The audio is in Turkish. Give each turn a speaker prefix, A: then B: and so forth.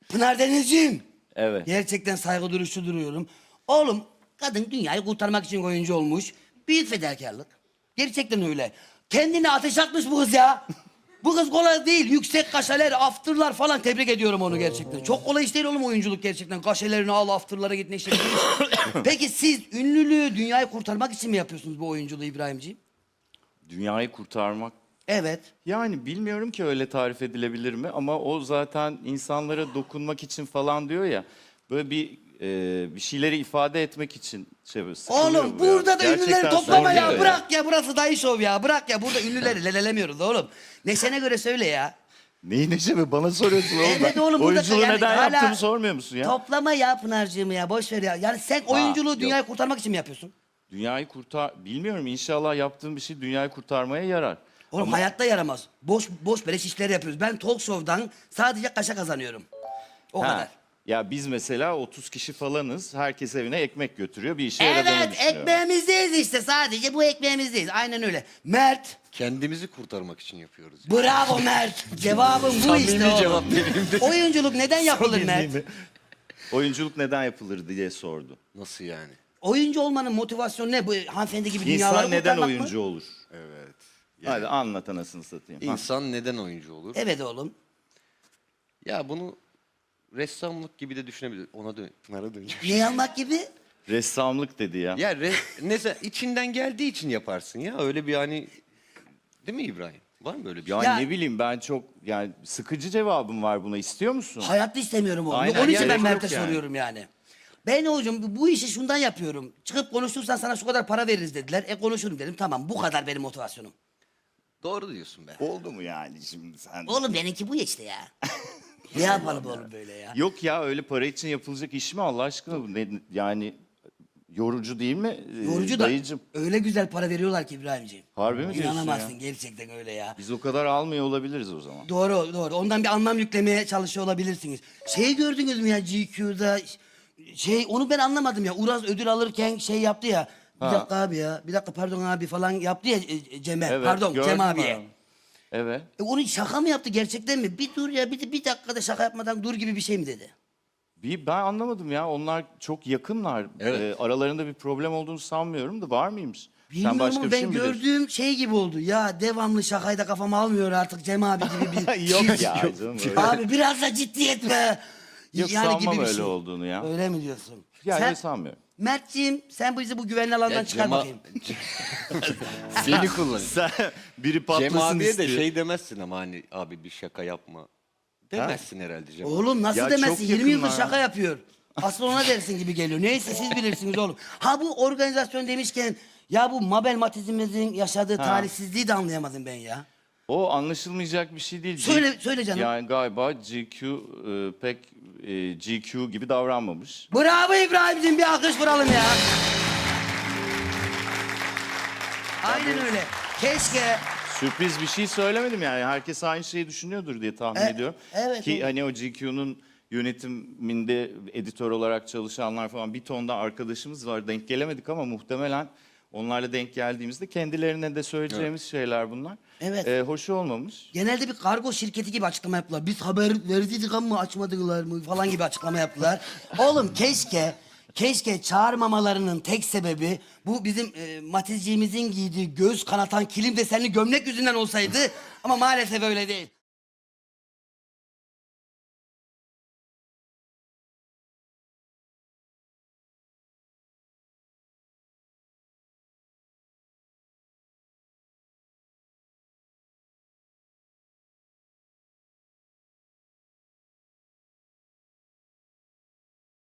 A: Pınar Denizciğim.
B: Evet.
A: Gerçekten saygı duruşu duruyorum. Oğlum kadın dünyayı kurtarmak için oyuncu olmuş. Büyük fedakarlık. Gerçekten öyle. Kendine ateş atmış bu kız ya. Bu kız kolay değil. Yüksek kaşeler, afterlar falan, tebrik ediyorum onu gerçekten. Çok kolay iş değil oğlum oyunculuk gerçekten. Kaşelerini al, afterlara git, ne işte. Peki siz ünlülüğü, dünyayı kurtarmak için mi yapıyorsunuz bu oyunculuğu İbrahimciğim?
B: Dünyayı kurtarmak.
A: Evet.
B: Yani bilmiyorum ki öyle tarif edilebilir mi ama o zaten insanlara dokunmak için falan diyor ya. Böyle bir şeyleri ifade etmek için sıkılıyor
A: Oğlum
B: bu ya.
A: burada da
B: Gerçekten
A: ünlüleri toplama
B: sıkılıyor
A: ya. Bırak ya, burası dayı şov ya. Bırak ya, burada ünlüleri lelelemiyoruz oğlum. Neşene göre söyle ya.
B: Neyi Neşe mi? Bana soruyorsun oğlum.
A: Evet oğlum, burada
B: oyunculuğu
A: yani
B: neden
A: hala
B: yaptığımı sormuyor musun ya?
A: Toplama ya Pınar'cığım ya, boş ver ya. Yani sen oyunculuğu,
B: yok.
A: dünyayı kurtarmak için mi yapıyorsun?
B: Dünyayı bilmiyorum, inşallah yaptığım bir şey dünyayı kurtarmaya yarar.
A: Oğlum hayatta yaramaz. Boş beleş işler yapıyoruz. Ben talk show'dan sadece kaşa kazanıyorum. O
B: Ha,
A: kadar.
B: Ya biz mesela 30 kişi falanız. Herkes evine ekmek götürüyor. Bir işe yaradığını
A: Evet,
B: düşünüyorum.
A: ekmeğimizdeyiz işte, sadece bu ekmeğimizdeyiz. Aynen öyle. Mert,
C: Kendimizi kurtarmak için yapıyoruz.
A: bravo Mert. Cevabın bu işte
C: Samimi
A: oğlum.
C: cevap benim de.
A: Oyunculuk neden yapılır Mert?
B: Oyunculuk neden yapılır diye sordu.
C: Nasıl yani?
A: Oyuncu olmanın motivasyonu ne? Bu hanımefendi gibi dünyaları
B: İnsan neden
A: kurtarmak mı?
B: oyuncu olur?
C: Evet.
B: Hadi anlat anasını satayım. Ha.
C: İnsan neden oyuncu olur?
A: Evet oğlum.
C: Ya bunu ressamlık gibi de düşünebilir. Pınar'a döneceğim.
A: Ne almak gibi?
B: Ressamlık dedi ya.
C: Ya içinden geldiği için yaparsın ya. Öyle bir hani, değil mi İbrahim? Var mı böyle bir
B: Ya,
A: Ya-
B: ne bileyim, ben çok yani sıkıcı cevabım var buna. İstiyor musun?
A: Hayatta istemiyorum oğlum.
B: Aynen,
A: Onun için
B: gerek
A: ben
B: yok
A: Mert'e
B: yani.
A: soruyorum yani. Ben hocam bu işi şundan yapıyorum. Çıkıp konuşursan sana şu kadar para veririz dediler. Konuşurum dedim. Tamam, bu kadar benim motivasyonum.
C: Doğru diyorsun be.
B: Oldu mu yani şimdi sen?
A: Oğlum benimki bu işte ya. Ne yapalım oğlum böyle ya?
B: Yok ya, öyle para için yapılacak iş mi Allah aşkına? Yani yorucu değil mi?
A: Yorucu da
B: Dayıcım.
A: öyle güzel para veriyorlar ki İbrahimciğim.
B: Harbi mi diyorsun
A: İnanamazsın,
B: ya?
A: gerçekten öyle ya.
B: Biz o kadar almıyor olabiliriz o zaman.
A: Doğru. Ondan bir anlam yüklemeye çalışıyor olabilirsiniz. Şey gördünüz mü ya GQ'da? Onu ben anlamadım ya. Uraz ödül alırken şey yaptı ya. Bir
B: Ha.
A: dakika abi ya. Bir dakika pardon abi falan yaptı ya Cem'e.
B: Evet,
A: Pardon
B: gördüm
A: Cem abiye.
B: ben. Evet.
A: Onu şaka mı yaptı gerçekten mi? Bir dur ya, bir dakikada şaka yapmadan dur gibi bir şey mi dedi?
B: Ben anlamadım ya. Onlar çok yakınlar.
C: Evet.
B: Aralarında bir problem olduğunu sanmıyorum da, var mıymış?
A: Bilmiyorum ama
B: bir
A: ben
B: şey mi biliyorsun?
A: gördüğüm şey gibi oldu. Ya devamlı şakayı da kafama almıyor artık Cem abi gibi bir
B: Yok ya canım, öyle.
A: Abi biraz da ciddiyet be.
B: Yok, sanmam öyle olduğunu ya.
A: Öyle mi diyorsun?
B: Ya öyle sanmıyorum.
A: Mertciğim sen bizi bu güvenli alandan çıkar bakayım.
C: Seni kullan.
B: Sen biri
C: Cem
B: patlasın
C: abiye
B: istiyor.
C: de şey demezsin ama hani abi bir şaka yapma. Demezsin herhalde Cem.
A: Oğlum nasıl
B: Ya
A: demezsin?
B: çok
A: 20 yıldır
B: yakınlar
A: şaka
B: ya.
A: yapıyor. Asıl ona dersin gibi geliyor. Neyse siz bilirsiniz oğlum. Ha bu organizasyon demişken ya bu Mabel Matiz'imizin yaşadığı talihsizliği de anlayamadım ben ya.
B: O anlaşılmayacak bir şey değil.
A: Söyle canım.
B: Yani galiba GQ pek GQ gibi davranmamış.
A: Bravo İbrahim'cim, bir alkış vuralım ya. Aynen öyle. Keşke
B: Sürpriz bir şey söylemedim yani. Herkes aynı şeyi düşünüyordur diye tahmin ediyorum.
A: evet,
B: Ki
A: evet.
B: hani o GQ'nun yönetiminde editör olarak çalışanlar falan bir ton da arkadaşımız var. Denk gelemedik ama muhtemelen onlarla denk geldiğimizde kendilerine de söyleyeceğimiz şeyler bunlar.
A: Evet.
B: Hoş olmamış.
A: genelde bir kargo şirketi gibi açıklama yaptılar. Biz haber verdiydik ama açmadılar mı falan gibi açıklama yaptılar. Oğlum keşke çağırmamalarının tek sebebi bu bizim Matizciğimizin giydiği göz kanatan kilim desenli gömlek yüzünden olsaydı. Ama maalesef öyle değil.